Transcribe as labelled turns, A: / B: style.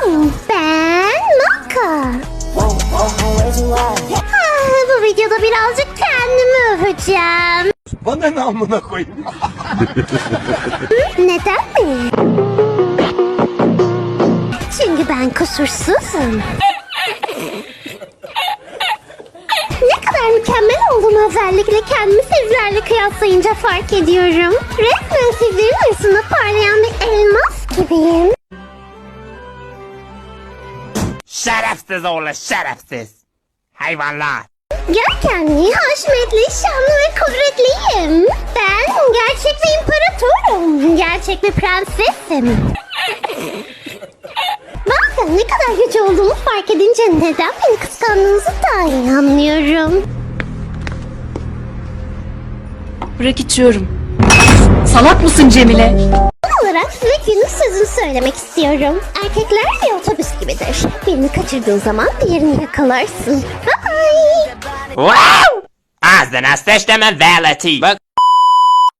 A: Ben Maka. Bu videoda birazcık kendimi öveceğim.
B: Bana ne amına koyayım?
A: Neden mi? Çünkü ben kusursuzum. Ne kadar mükemmel olduğumu özellikle kendimi sizlerle kıyaslayınca fark ediyorum. Resmen sizlerin arasında parlayan bir elmas gibiyim.
C: Şerefsiz oğlu şerefsiz. Hayvanlar.
A: Görkemli, haşmetli, şanlı ve kudretliyim. Ben gerçek bir imparatorum. Gerçek bir prensesim. Bazen ne kadar güçlü olduğumu fark edince neden beni kıskandığınızı daha iyi anlıyorum.
D: Bırak içiyorum. Salak mısın Cemile?
A: Son olarak size günün sözünü söylemek istiyorum. Erkekler bir otobüs gibidir. Birini kaçırdığın zaman diğerini yakalarsın. Bye bye.
C: Wow! Ağzına sıçtımın veleti. Bak